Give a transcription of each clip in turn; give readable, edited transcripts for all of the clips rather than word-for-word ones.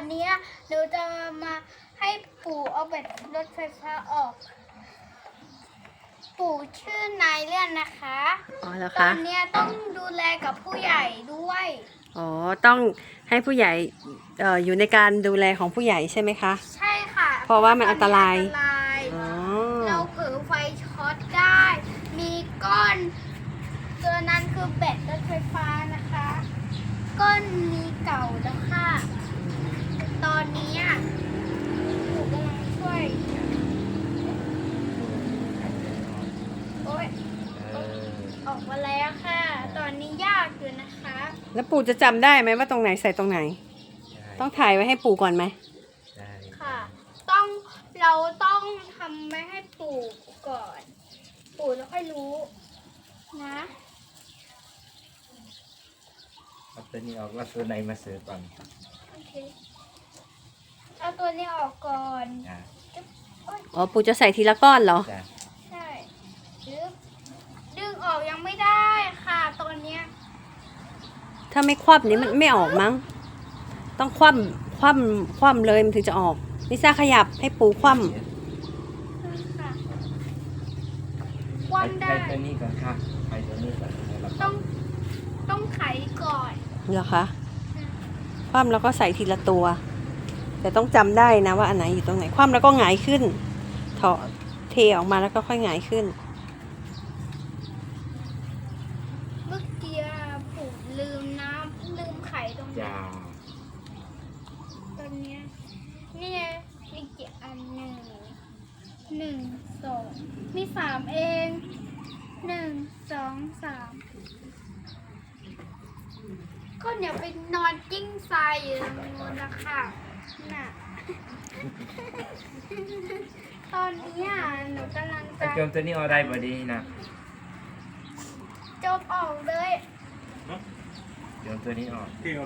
อนนี้หนูจะมาให้ปู่เอาแบตรถไฟฟ้าออก ปู่ชื่อนายเลื่อนนะคะอ๋อเหรอตอคะนนี้ต้องดูแลกับผู้ใหญ่ด้วยอ๋อต้องให้ผู้ใหญ่อยู่ในการดูแลของผู้ใหญ่ใช่ไหมคะใช่ค่ะเพราะว่ามันอันตรายอันตรายอ๋อเราเผลอไฟช็อตได้ มีก้อนตัวนั้นคือแบตรถไฟฟ้านะคะ ก้อนนี้เก่าแล้วค่ะ ตอนนี้หนูกำลังช่วย โอ๊ยออกมาแล้วค่ะ ตอนนี้ยากอยู่นะคะแล้วปู่จะจำได้ไหมว่าตรงไหนใส่ตรงไหน ต้องถ่ายไว้ให้ปู่ก่อนไหมค่ะ เราต้องทำไว้ให้ปู่ก่อน ปู่แล้วค่อยรู้นะเอาตัวนี้ออกแล้วตัวไหนมาเสิร์ฟก่อนโอเค เอาตัวนี้ออกก่อนจ้ะอ๋อปู่จะใส่ทีละก้อนเหรอจ้ะใช่ดึงออกยังไม่ได้ค่ะตอนเนี้ยถ้าไม่คว่ำนี้มันไม่ออกมั้ง ต้องคว่ำเลยมันถึงจะออกลิซ่าขยับให้ปู่คว่ค่ะคว่ำได้ไปตัวนี้ก่อนค่ะไปตัวนี้ก่อนแล้วต้องไขก่อนำเหรอคะคว่ำแล้วก็ใส่ทีละตัว แต่ต้องจำได้นะว่าอันไหนอยู่ตรงไหนคว่ำแล้วก็หงายขึ้นถอดเทออกมาแล้วก็ค่อยหงายขึ้นเมื่อกี้ปู่ลืมไขตรงนี้จ้าตอนเนี้ยนี่ไงมีกี่อันหนึ่งสองมีสามเอง1 2 3ก็อย่าไปนอนกิ้งทรายอยู่ตรงนู้นนะคะน่ะ ตอนนี้หนูกำลังไอ้จะโจมตัวนี้เอาได้บ่ดีนะจบออกเลยโจมตัวนี้ออก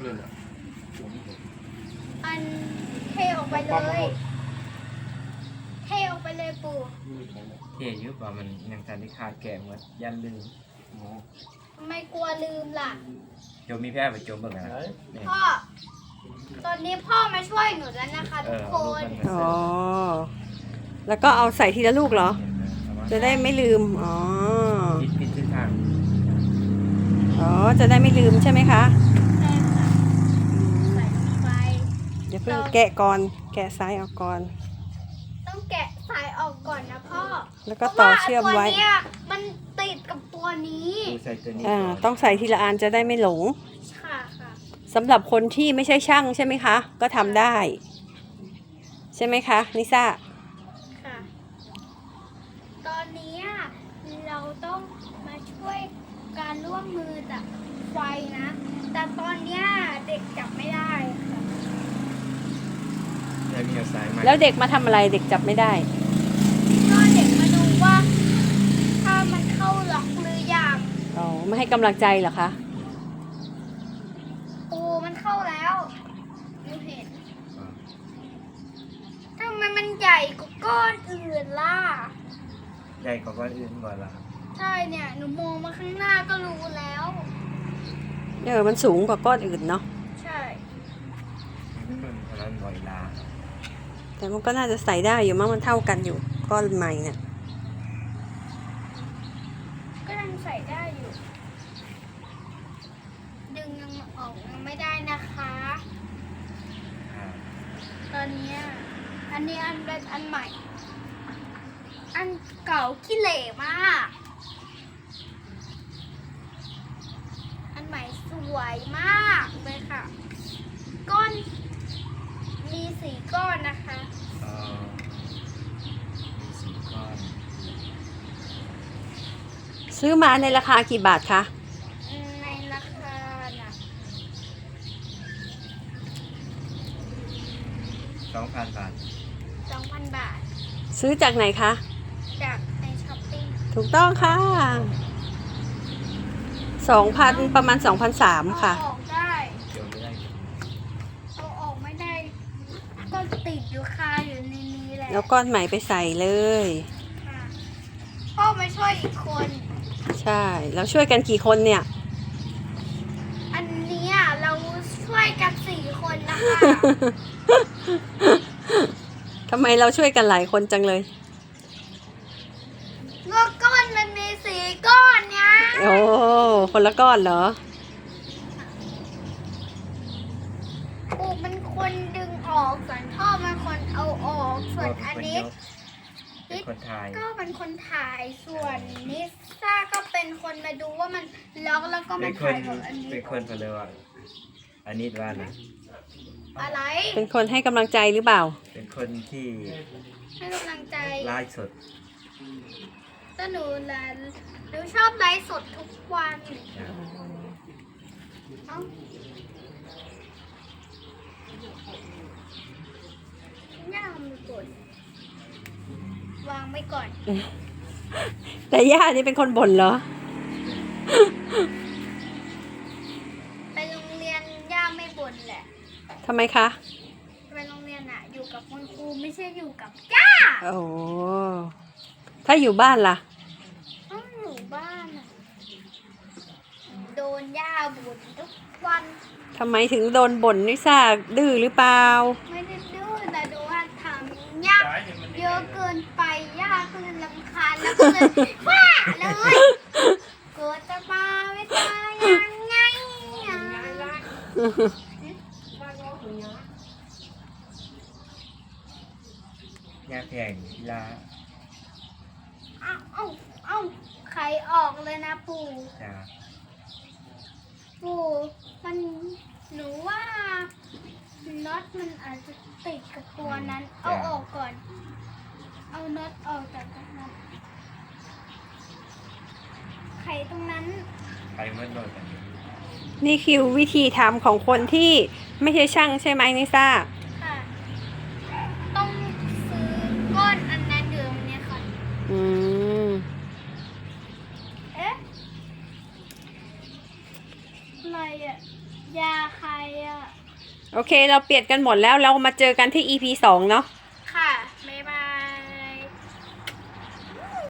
อันเทออกไปเลยเทออกไปเลยปู่เท่อยุบว่ามันยังทันที่ขาดแก่หมดยันลืมทำไมกลัวลืมล่ะโจมมีแพ้ไปโจมเบิ่งนะนี่พ่อ ตอนนี้พ่อมาช่วยหนูแล้วนะคะเอทุกอคลูกนมันมาอ๋อเสิร์ฟแล้วก็เอาใส่ทีละลูกเหรอเอามาจะได้ไม่ลืม อ๋อปิดทิศทางอ๋อ จะได้ไม่ลืมใช่ไหมคะใช่ค่ะใส่ลงไปเดี๋ยวเพิ่งแกะก่อน แกะซ้ายออกก่อนต้องแกะสายออกก่อนนะพ่อแล้วก็ต่อเชื่อมไว้พราะาตัวเนี้ยมันติดกับตัวนี้ดูใส่ตัวนี้อ่าก่อนต้องใส่ทีละอันจะได้ไม่หลงค่ะค่ะสำหรับคนที่ไม่ใช่ช่างใช่ไหมคะ ก็ทำได้ ใช่ไหมคะนิซ่าค่ะ ตอนนี้เราต้องมาช่วยการร่วมมือจากไฟนะ แต่ตอนเนี้ยเด็กจับไม่ได้ค่ะแล้วมีเอาสายมาแล้วเด็กมาทำอะไรเด็กจับไม่ได้ก็เด็กมาดูว่า ถ้ามันเข้าล็อกหรือยังอ๋อ ไม่ให้กำลังใจเหรอคะปูมันเข้าแล้วหนูเห็นทำไมมันใหญ่กว่าก้อนอื่นล่ะใหญ่กว่าก้อนอื่นก่อนละใช่เนี่ย หนูมองมาข้างหน้าก็รู้แล้วมันสูงกว่าก้อนอื่นเนาะใช่เพราะนั้นบ่อยลาแต่มันก็น่าจะใส่ได้อยู่มั้งมันเท่ากันอยู่ ก้อนใหม่เนี่ยก็ยังใส่ได้อยู่ ดึงยังออกยังไม่ได้นะคะอ่าตอนเนี้ยอันนี้อันเป็นอันใหม่ อันเก่าขี้เหร่มาก อันใหม่สวยมากเลยค่ะ ก้อนมี4 ก้อนนะคะมีสี่ก้อนซื้อมาในราคากี่บาทคะในราคาน่ะ 2,000 บาท 2,000 บาทซื้อจากไหนคะจากในช้อปปิ้งถูกต้องค่ะ 2,000 ประมาณ 2,300 ค่ะเอาออกได้เดี๋ยวไม่ได้เอาออกไม่ได้ ก็ติดอยู่คาอยู่ในนี้แหละแล้วก้อนใหม่ไปใส่เลยค่ะพ่อมาช่วยอีกคนใช่ แล้วช่วยกันกี่คนเนี่ยอันเนี้ยเราช่วยวยกัน4 คนนะคะทำไมเราช่วยกันหลายคนจังเลยก็ก้อนมันมี4 ก้อนเนี่ยโอ้คนละก้อนเหรอปูเป็นคนดึงออกส่วนพ่อเป็นคนเอาออกส่วนอันนี้เป็นคนถ่ายก็เป็นคนถ่ายส่วนนิซ่าก็เป็นคนมาดูว่ามันล็อกแล้วก็เป็มานคนถ่ายกับอันนี้เป็นคนเพลว่าอันนี้ว่านะอะไรเป็นคนให้กำลังใจหรือเปล่าเป็นคนที่ให้กำลังใจไลฟ์สดแต่หนูชอบไลฟ์สดทุกวันนะเอ้าย่ามือกดวางไว้ก่อนแต่ย่านี่เป็นคนบ่นเหรอไปโรงเรียนย่าไม่บ่นแหละทำไมคะไปโรงเรียนอะอยู่กับคุณครูไม่ใช่อยู่กับย่าโอ้ ถ้าอยู่บ้านล่ะต้องอยู่บ้านอะโดนย่าบ่นทุกวันทำไมถึงโดนบ่นนิซ่าดื้อหรือเปล่าไม่ได้ดื้อแต่ดูว่าทำย่าเยอะเกินไปย่าก็เลยรำคาญแล้วก็เลยว่าเลยเกิดจะมาไม่ตายยังไงอะงานแข่งกีฬาเอ้าใครออกเลยนะปู่จ้าปู่มันหนูว่าน็อตมันอาจจะติดกับตัวนั้น เอาออกก่อน เอาน็อตออกจากตรงนั้นไขตรงนั้นไปเมื่อโดนกันนี่คือวิธีทำของคนที่ไม่ใช่ช่างใช่ไหมนิซ่าค่ะ ต้องซื้อก้อนอันนั้นอยู่ตรงเนี้ยค่ะอืมเอ๊ะอะไรอะยาใครอะโอเค เราเปลี่ยนกันหมดแล้ว เรามาเจอกันที่ EP 2 เนาะ